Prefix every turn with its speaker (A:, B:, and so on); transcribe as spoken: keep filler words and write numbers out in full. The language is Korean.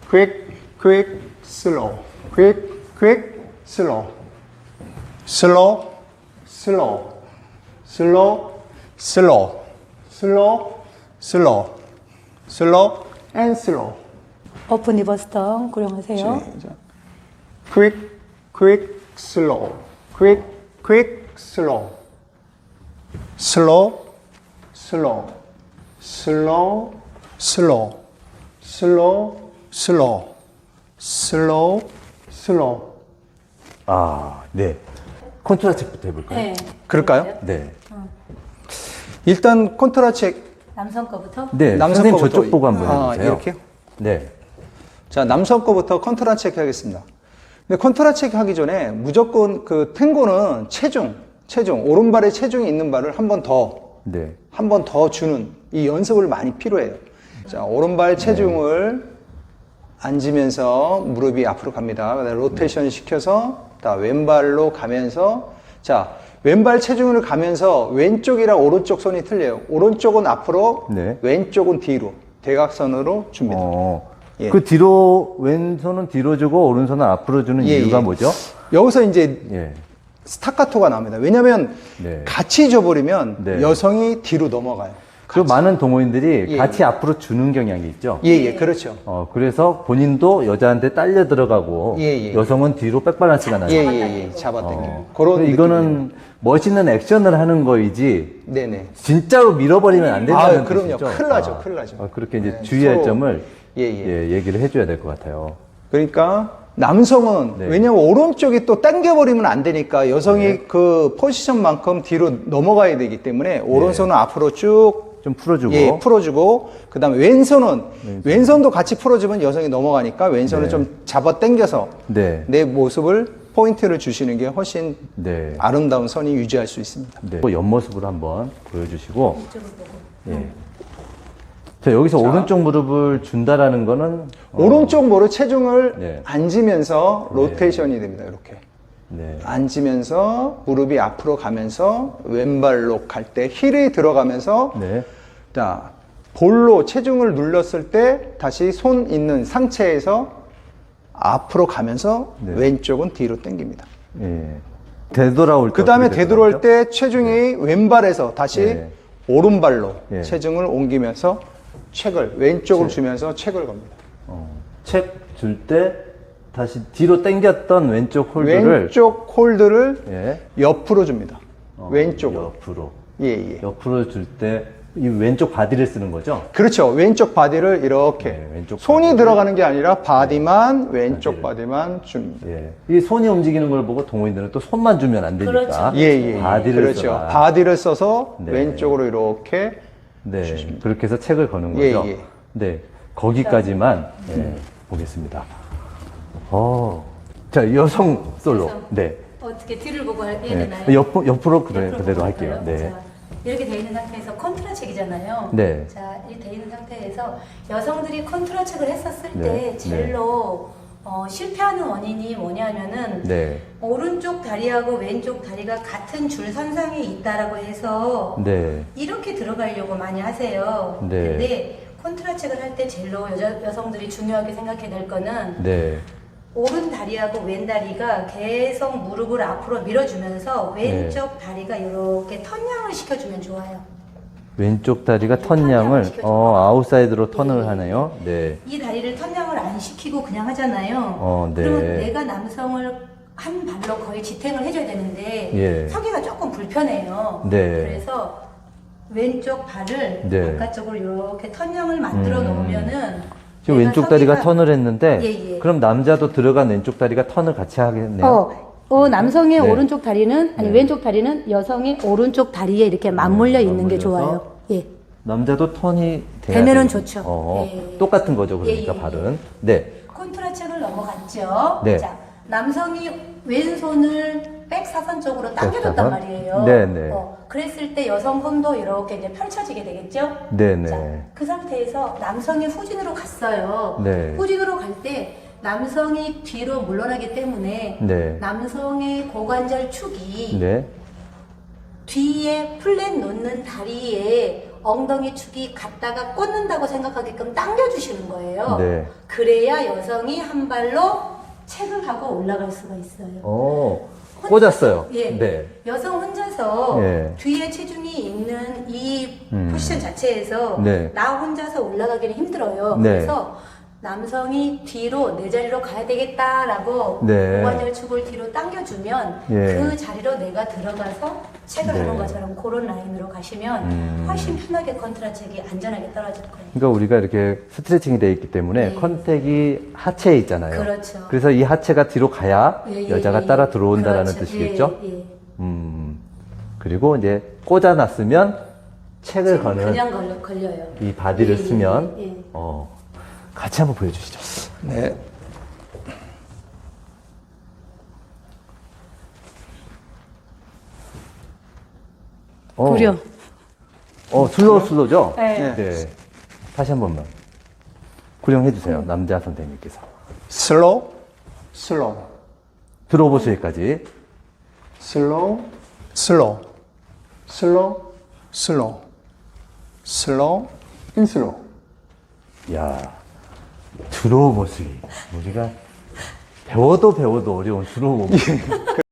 A: quick, quick, slow, quick, quick, slow, slow, slow, slow, slow, slow, slow, slow, and slow.
B: 오픈 리버스 턴 고령하세요.
A: 시작. quick, quick, slow, quick, quick, slow, slow, slow, slow, slow, slow, slow, slow, slow.
C: 아, 네. 컨트라 책부터 해볼까요?
B: 네.
A: 그럴까요?
C: 네.
A: 일단 컨트라 책
B: 남성 거부터.
C: 네.
A: 남성
C: 선생님
A: 거부터.
C: 저쪽 보고 한번
A: 아,
C: 해주세요.
A: 이렇게요?
C: 네.
A: 자, 남성 거부터 컨트라 체크 하겠습니다. 근데 컨트라 체크 하기 전에 무조건 그 탱고는 체중, 체중, 오른발에 체중이 있는 발을 한 번 더,
C: 네.
A: 한 번 더 주는 이 연습을 많이 필요해요. 자, 오른발 체중을 앉으면서 무릎이 앞으로 갑니다. 그다음에 로테이션 시켜서 다 왼발로 가면서 자, 왼발 체중을 가면서 왼쪽이랑 오른쪽 손이 틀려요. 오른쪽은 앞으로,
C: 네.
A: 왼쪽은 뒤로 대각선으로 줍니다.
C: 어,
A: 예.
C: 그 뒤로, 왼손은 뒤로 주고, 오른손은 앞으로 주는
A: 예,
C: 이유가
A: 예.
C: 뭐죠?
A: 여기서 이제
C: 예.
A: 스타카토가 나옵니다. 왜냐면
C: 네.
A: 같이 줘버리면
C: 네.
A: 여성이 뒤로 넘어가요.
C: 그 많은 동호인들이
A: 예,
C: 같이 앞으로 주는 경향이 있죠.
A: 예, 예, 그렇죠.
C: 어, 그래서 본인도 여자한테 딸려 들어가고,
A: 예, 예.
C: 여성은 뒤로 백밸런스가 나요.
A: 예, 예, 예. 잡아당겨.
C: 어,
A: 그런
C: 근데 이거는 멋있는 액션을 하는 거이지,
A: 네네.
C: 진짜로 밀어버리면 안 된다는
A: 아, 그럼요.
C: 뜻이죠.
A: 큰일 나죠,
C: 아,
A: 큰일 나죠.
C: 어, 그렇게 이제
A: 네,
C: 주의할
A: 서로-
C: 점을
A: 예, 예.
C: 예, 얘기를 해줘야 될 것 같아요.
A: 그러니까 남성은
C: 네.
A: 왜냐면 오른쪽이 또 당겨버리면 안 되니까 여성이
C: 네.
A: 그 포지션만큼 뒤로 넘어가야 되기 때문에 오른손은 앞으로 쭉
C: 좀 풀어주고.
A: 예, 풀어주고 그다음에 왼손은 왼손도 같이 풀어주면 여성이 넘어가니까 왼손을
C: 네.
A: 좀 잡아 당겨서
C: 네.
A: 내 모습을 포인트를 주시는 게 훨씬
C: 네.
A: 아름다운 선이 유지할 수 있습니다.
C: 네. 옆모습으로 한번 보여주시고.
B: 이쪽을 보고.
C: 예. 자, 여기서 오른쪽 무릎을 준다라는 거는. 어,
A: 오른쪽 무릎 체중을
C: 네.
A: 앉으면서 로테이션이 됩니다. 이렇게
C: 네.
A: 앉으면서 무릎이 앞으로 가면서 왼발로 갈 때 힐이 들어가면서
C: 네.
A: 자 볼로 체중을 눌렀을 때 다시 손 있는 상체에서 앞으로 가면서
C: 네.
A: 왼쪽은 뒤로 당깁니다.
C: 예. 되돌아올 때.
A: 그 다음에
C: 어떻게
A: 되돌아올
C: 되돌아오죠?
A: 때 체중이 왼발에서 다시
C: 네.
A: 오른발로
C: 예.
A: 체중을 옮기면서 책을 왼쪽으로
C: 책.
A: 주면서 책을 겁니다.
C: 어, 책 줄 때 다시 뒤로 당겼던 왼쪽 홀드를.
A: 왼쪽 홀드를
C: 예.
A: 옆으로 줍니다.
C: 어,
A: 왼쪽으로.
C: 옆으로.
A: 예, 예.
C: 옆으로 줄 때 이 왼쪽 바디를 쓰는 거죠?
A: 그렇죠. 왼쪽 바디를 이렇게
C: 네, 왼쪽
A: 손이
C: 바디를.
A: 들어가는 게 아니라 바디만 왼쪽
C: 바디를.
A: 바디만 줍니다.
C: 예. 이 손이 움직이는 걸 보고 동호인들은 또 손만 주면 안 되니까.
B: 그렇죠.
A: 예, 예.
C: 바디를
A: 그렇죠.
C: 써라.
A: 바디를 써서
C: 네.
A: 왼쪽으로 이렇게
C: 네. 그렇게 해서 책을 거는
A: 예,
C: 거죠.
A: 예.
C: 네. 거기까지만 예, 보겠습니다. 어. 자, 여성 솔로.
B: 여성.
C: 네.
B: 어떻게 뒤를 보고 해야
C: 네.
B: 되나요?
C: 옆, 옆으로 그래,
B: 옆으로
C: 그대로
B: 보고
C: 할게요.
B: 할까요?
C: 네.
B: 자, 이렇게 돼 있는 상태에서 컨트라 책이잖아요.
C: 네.
B: 자, 이렇게 돼 있는 상태에서 여성들이 컨트라 책을 했었을
C: 네.
B: 때 제일로 어, 실패하는 원인이 뭐냐면은
C: 네.
B: 오른쪽 다리하고 왼쪽 다리가 같은 줄 선상에 있다라고 해서
C: 네.
B: 이렇게 들어가려고 많이 하세요.
C: 네.
B: 근데 컨트라 책을 할 때 제일로 여자, 여성들이 중요하게 생각해야 될 거는
C: 네.
B: 오른 다리하고 왼 다리가 계속 무릎을 앞으로 밀어주면서 왼쪽 다리가 이렇게 턴양을 시켜주면 좋아요.
C: 왼쪽 다리가
B: 턴양을
C: 턴양을
B: 시켜줘.
C: 어, 아웃사이드로 턴을
B: 예.
C: 하네요. 네.
B: 이 다리를 턴양을 안 시키고 그냥 하잖아요.
C: 어, 네.
B: 그러면 내가 남성을 한 발로 거의 지탱을 해줘야 되는데
C: 예.
B: 서기가 조금 불편해요.
C: 네.
B: 그래서 왼쪽 발을
C: 네.
B: 바깥쪽으로 이렇게 턴양을 만들어
C: 음.
B: 놓으면은
C: 지금
B: 내가
C: 왼쪽 다리가
B: 서기가-
C: 턴을 했는데
B: 예, 예.
C: 그럼 남자도 들어간 왼쪽 다리가 턴을 같이 하겠네요.
B: 어, 어, 남성의
C: 네.
B: 오른쪽 다리는 아니
C: 네.
B: 왼쪽 다리는 여성의 오른쪽 다리에 이렇게 맞물려 있는 게
C: 맞물려서
B: 좋아요. 예.
C: 남자도 턴이 돼야
B: 되면은
C: 되는-
B: 좋죠.
C: 어,
B: 예.
C: 똑같은 거죠. 그러니까
B: 예, 예,
C: 발은. 네.
B: 콘트라책을 넘어갔죠.
C: 네.
B: 자, 남성이 왼손을 백사선 쪽으로 당겨줬단
C: 백사선?
B: 말이에요.
C: 네, 네.
B: 어, 그랬을 때 여성 손도 이렇게 이제 펼쳐지게 되겠죠.
C: 네, 네.
B: 자, 그 상태에서 남성이 후진으로 갔어요.
C: 네.
B: 후진으로 갈 때 남성이 뒤로 물러나기 때문에
C: 네.
B: 남성의 고관절 축이
C: 네.
B: 뒤에 플랫 놓는 다리에 엉덩이 축이 갔다가 꽂는다고 생각하게끔 당겨주시는 거예요.
C: 네.
B: 그래야 여성이 한 발로 책을 하고 올라갈 수가 있어요.
C: 어, 꽂았어요.
B: 예.
C: 네.
B: 여성 혼자서
C: 예.
B: 뒤에 체중이 있는 이
C: 음.
B: 포지션 자체에서
C: 네.
B: 나 혼자서 올라가기는 힘들어요.
C: 네.
B: 그래서 남성이 뒤로 내 자리로 가야 되겠다라고
C: 네.
B: 고관절축을 뒤로 당겨주면
C: 예.
B: 그 자리로 내가 들어가서 책을
C: 네.
B: 하는 것처럼 그런 라인으로 가시면
C: 음.
B: 훨씬 편하게 컨트라책이 안전하게 떨어질 거예요.
C: 그러니까 우리가 이렇게 스트레칭이 되어 있기 때문에
B: 네.
C: 컨택이 하체에 있잖아요.
B: 그렇죠.
C: 그래서 이 하체가 뒤로 가야
B: 예, 예,
C: 여자가
B: 예.
C: 따라 들어온다라는
B: 그렇죠.
C: 뜻이겠죠?
B: 예, 예.
C: 음. 그리고 이제 꽂아놨으면 책을
B: 지금
C: 거는
B: 그냥 걸려, 걸려요.
C: 이 바디를
B: 예, 예,
C: 쓰면
B: 예, 예.
C: 어, 같이 한번 보여주시죠.
A: 네.
C: 어,
D: 구려.
C: 어, 슬로우 슬로우죠?
D: 네.
C: 네. 다시 한 번만. 구령해 주세요. 남자 선생님께서.
A: 슬로우, 슬로우,
C: 들어보시기까지.
A: 슬로우, 슬로우, 슬로우, 슬로우, 슬로우, 인 슬로우.
C: 야, 들어보시기. 우리가 배워도 배워도 어려운 들어보기.